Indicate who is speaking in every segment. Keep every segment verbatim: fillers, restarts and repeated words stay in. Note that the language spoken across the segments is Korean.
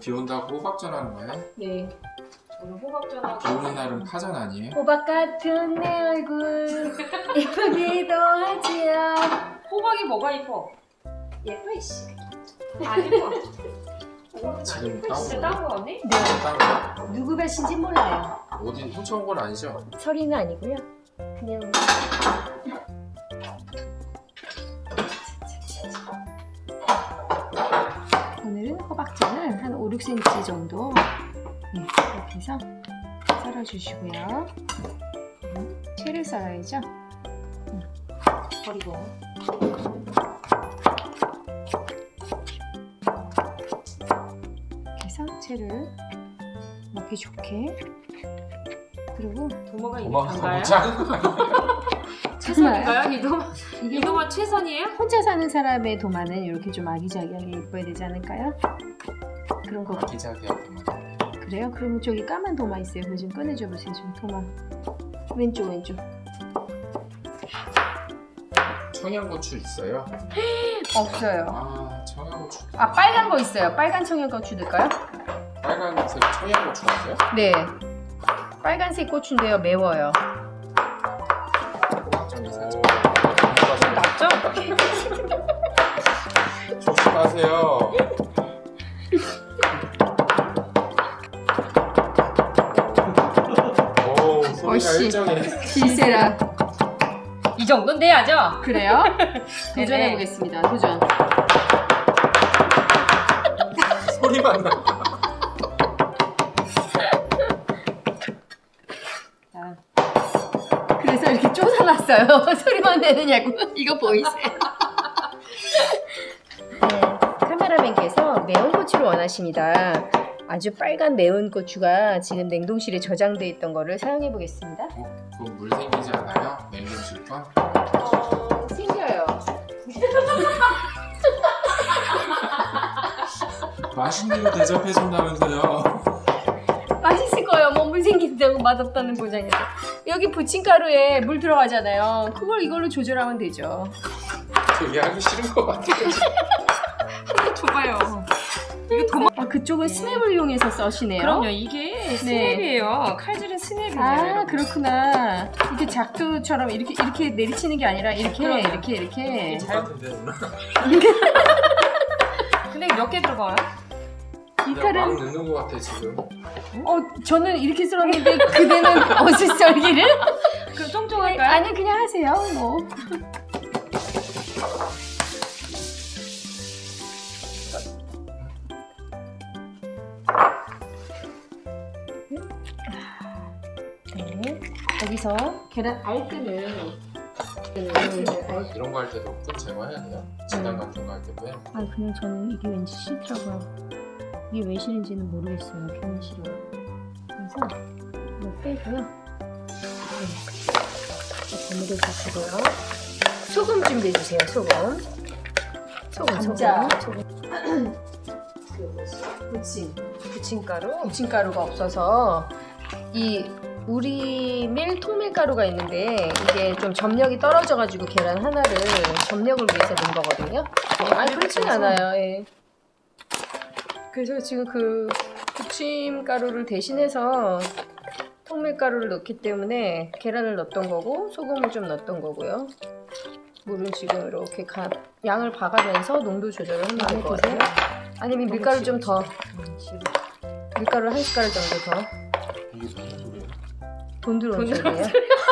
Speaker 1: 비 온다고 호박전 하는 거예요?
Speaker 2: 네. 저는 호박전하고.
Speaker 1: 비 오는 날은 파전 아니에요?
Speaker 3: 호박 같은 내 얼굴 예쁘기도 하지요.
Speaker 2: 호박이 뭐가 이뻐?
Speaker 3: 예뻐 이씨.
Speaker 2: 안 이뻐.
Speaker 1: 지금
Speaker 2: 진짜
Speaker 1: 따온
Speaker 2: 따고 왔네?
Speaker 3: 네.
Speaker 1: 따온
Speaker 3: 누구 밭인지 몰라요.
Speaker 1: 거 어디 훔쳐온 건 아니죠?
Speaker 3: 서리는 아니고요. 그냥 오늘은 호박전을 한 오, 육 센티미터 정도 네, 이렇게 해서 썰어주시고요. 음, 채를 썰어야죠. 음, 버리고 이렇게 해서 채를 먹기 좋게 그리고
Speaker 2: 도마가 이게
Speaker 1: 도마가
Speaker 2: 단가요?
Speaker 1: 너무 작은 거 아니에요?
Speaker 2: 최선인가요? 이 도마?
Speaker 3: 이게
Speaker 2: 이 도마 최선이에요?
Speaker 3: 혼자 사는 사람의 도마는 이렇게 좀 아기자기하게 예뻐야 되지 않을까요? 그런 거
Speaker 1: 아기자기하게 막
Speaker 3: 그래요? 그러면 저기 까만 도마 있어요. 그거 좀 꺼내줘 보세요. 좀 도마 왼쪽 왼쪽.
Speaker 1: 청양고추 있어요?
Speaker 3: 없어요.
Speaker 1: 아 청양고추
Speaker 3: 아 빨간 거 있어요. 빨간 청양고추 넣을까요?
Speaker 1: 빨간색 청양고추 있어요?
Speaker 3: 네. 빨간색 고추인데요. 매워요.
Speaker 1: 호박전이 살짝
Speaker 2: 맞죠?
Speaker 1: 조심하세요. 오 소리가
Speaker 3: 어이씨.
Speaker 1: 일정해.
Speaker 3: 질세라.
Speaker 2: 이 정도는 돼야죠?
Speaker 3: 그래요?
Speaker 2: 네네.
Speaker 3: 도전해 보겠습니다. 도전.
Speaker 1: 소리만 나.
Speaker 2: 자,
Speaker 3: 그래서 이렇게 쫓아놨어요. 소리만 내느냐고. 이거 보이세요? 네, 카메라맨께서 매운 고추를 원하십니다. 아주 빨간 매운 고추가 지금 냉동실에 저장돼 있던 거를 사용해 보겠습니다.
Speaker 1: 어, 그건 물 생기지 않아요? 냉동실 건?
Speaker 3: 어, 생겨요.
Speaker 1: 맛있는 거 대접해준다면서요.
Speaker 3: 맛있을 거예요. 뭐 물 생긴다고 맛없다는 보장이죠. 여기 부침가루에 물 들어가잖아요. 그걸 이걸로 조절하면 되죠.
Speaker 1: 되게 하기 싫은 것 같아요.
Speaker 2: 한번 줘봐요. 이거 도마.
Speaker 3: 아, 그쪽은 스냅을 이용해서 써시네요.
Speaker 2: 그럼요. 이게 스냅이에요. 칼질은 스냅이에요.
Speaker 3: 아,
Speaker 2: 여러분.
Speaker 3: 그렇구나. 이렇게 작두처럼 이렇게 이렇게 내리치는 게 아니라 이렇게
Speaker 2: 그럼요.
Speaker 3: 이렇게 이렇게.
Speaker 1: 똑같은데 누나?
Speaker 2: 근데 몇 개 들어가요?
Speaker 3: 이
Speaker 1: 그냥 막
Speaker 3: 칼은
Speaker 1: 넣는 것 같아 지금.
Speaker 3: 어 저는 이렇게 썰었는데 그대는 어디 썰기를?
Speaker 2: 그럼 쫑쫑할까요?
Speaker 3: 아니 그냥 하세요. 뭐. 네. 여기서 계란 알끈을
Speaker 1: 이런 거 할 때도 꼭 제거해야 돼요? 진단 같은 거 할 때도요?
Speaker 3: 아 그냥 저는 이게 왠지 싫더라고요. 이게 왜 싫은지는 모르겠어요. 괜히 싫어요. 그래서 이거 빼고요. 네. 버무려 주시고요. 소금 준비해 주세요. 소금. 소금.
Speaker 2: 감자.
Speaker 3: 소금.
Speaker 2: 부침. 부침가루.
Speaker 3: 부침가루가 없어서 이 우리 밀 통밀가루가 있는데 이게 좀 점력이 떨어져가지고 계란 하나를 점력을 위해서 넣은 거거든요. 아니 그렇진 않아요. 예. 그래서 지금 그 부침가루를 대신해서 통밀가루를 넣기 때문에 계란을 넣었던 거고 소금을 좀 넣었던 거고요. 물은 지금 이렇게 가, 양을 봐가면서 농도 조절을 하면 될 것 같아요. 아니면 밀가루 좀 더, 밀가루 한 숟가락 정도 더.
Speaker 1: 이게 무슨 소리예요?
Speaker 3: 돈 들어오는
Speaker 2: 돈
Speaker 3: 소리예요.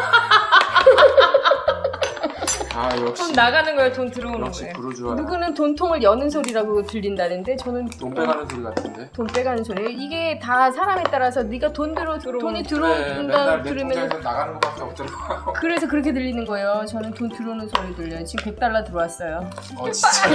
Speaker 1: 아
Speaker 2: 돈
Speaker 1: 역시
Speaker 2: 나가는 거예요. 돈 들어오는
Speaker 1: 역시
Speaker 2: 거예요.
Speaker 1: 부르주아.
Speaker 3: 누구는 돈통을 여는 소리라고 들린다는데 저는
Speaker 1: 돈 빼가는 소리 같은데?
Speaker 3: 돈 빼가는 소리예요. 이게 다 사람에 따라서 네가 돈 들어
Speaker 2: 들어오는-
Speaker 3: 돈이
Speaker 1: 네,
Speaker 3: 들어온다
Speaker 1: 맨날 내
Speaker 3: 들으면
Speaker 1: 통장에서 나가는 거밖에 없더라고요.
Speaker 3: 그래서 그렇게 들리는 거예요. 저는 돈 들어오는 소리 들려요. 지금 백 달러 들어왔어요.
Speaker 1: 어 진짜?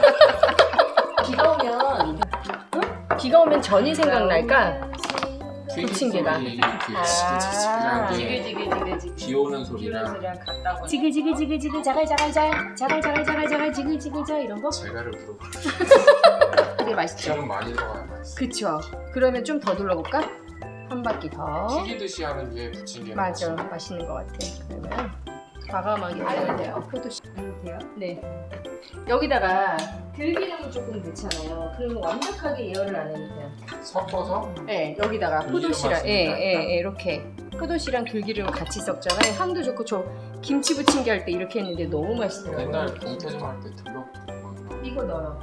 Speaker 3: 비가 오면 응? 비가 오면 전이 생각날까? 부침개가.
Speaker 1: 이렇게 지글지글한 게
Speaker 2: 지글지글지글지글.
Speaker 1: 비 오는
Speaker 2: 비오는
Speaker 1: 소리랑
Speaker 2: 소리랑 같다고.
Speaker 3: 지글지글지글지글 자갈자갈자 자갈자갈자갈자갈 지글지글자 이런 거?
Speaker 1: 제가를 물어봐.
Speaker 3: 그게 맛있죠?
Speaker 1: 기름 많이 들어가야 맛있어.
Speaker 3: 그쵸. 그러면 좀 더 둘러볼까? 한 바퀴 더.
Speaker 1: 튀기듯이 하는 게 부침개.
Speaker 3: 맞아. 맛있는 것 같아. 그러면 과감하게 넣어야 돼요. 포도씨.
Speaker 2: 돼요?
Speaker 3: 네. 여기다가 들기름을 조금 넣잖아요. 그러면 완벽하게 예열을 안 해도 돼요.
Speaker 1: 섞어서
Speaker 3: 네, 여기다가
Speaker 1: 들기름
Speaker 3: 포도씨랑,
Speaker 1: 맛이
Speaker 3: 예,
Speaker 1: 나니까?
Speaker 3: 예, 예, 이렇게 포도씨랑 들기름 같이 섞잖아요. 향도 좋고 저 김치 부침개 할 때 이렇게 했는데 너무 맛있더라고요.
Speaker 1: 옛날 동태좀 할 때 들러
Speaker 3: 이거 넣어요.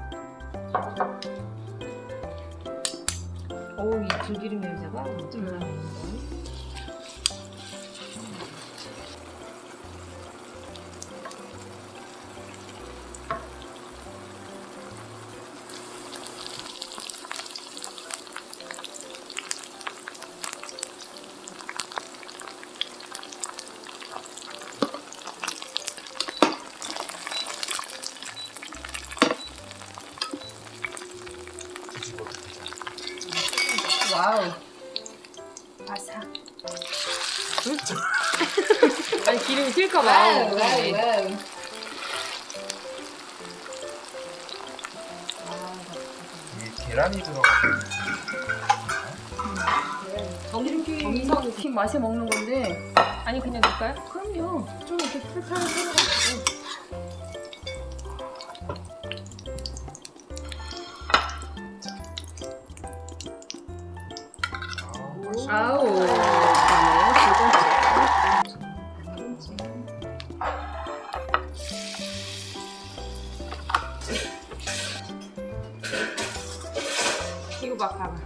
Speaker 2: 오, 이 들기름 냄새가 엄청 나는데.
Speaker 1: 뒤집어도 되잖아.
Speaker 3: 와우.
Speaker 2: 바삭.
Speaker 3: 아니 기름이 튈까봐.
Speaker 2: 와우, 와우, 와우.
Speaker 1: 이게 계란이 들어가서
Speaker 3: 이렇게
Speaker 2: 정성.
Speaker 3: 이렇게 맛에 먹는 건데.
Speaker 2: 아니 그냥 넣을까요?
Speaker 3: 그럼요. 좀 이렇게 풀풀 썰어가지고.
Speaker 1: 아, 맛있어.
Speaker 3: 아우. 그다음에
Speaker 2: 이거 봐, 봐봐.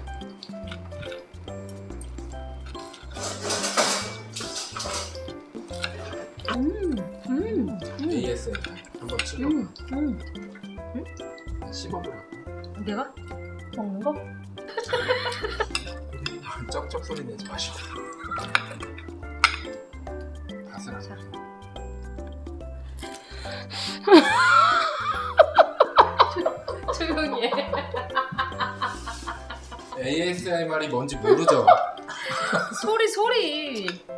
Speaker 3: 음, 음, 음,
Speaker 1: 에이에스엠알 한번 찍어.
Speaker 3: 음, 음.
Speaker 1: 씹어보라고.
Speaker 3: 내가 먹는 거?
Speaker 1: 쩍쩍 소리 내지 마시고. 바스락.
Speaker 3: 조용히 해.
Speaker 1: 에이에스엠알이 뭔지 모르죠?
Speaker 3: 소리 소리.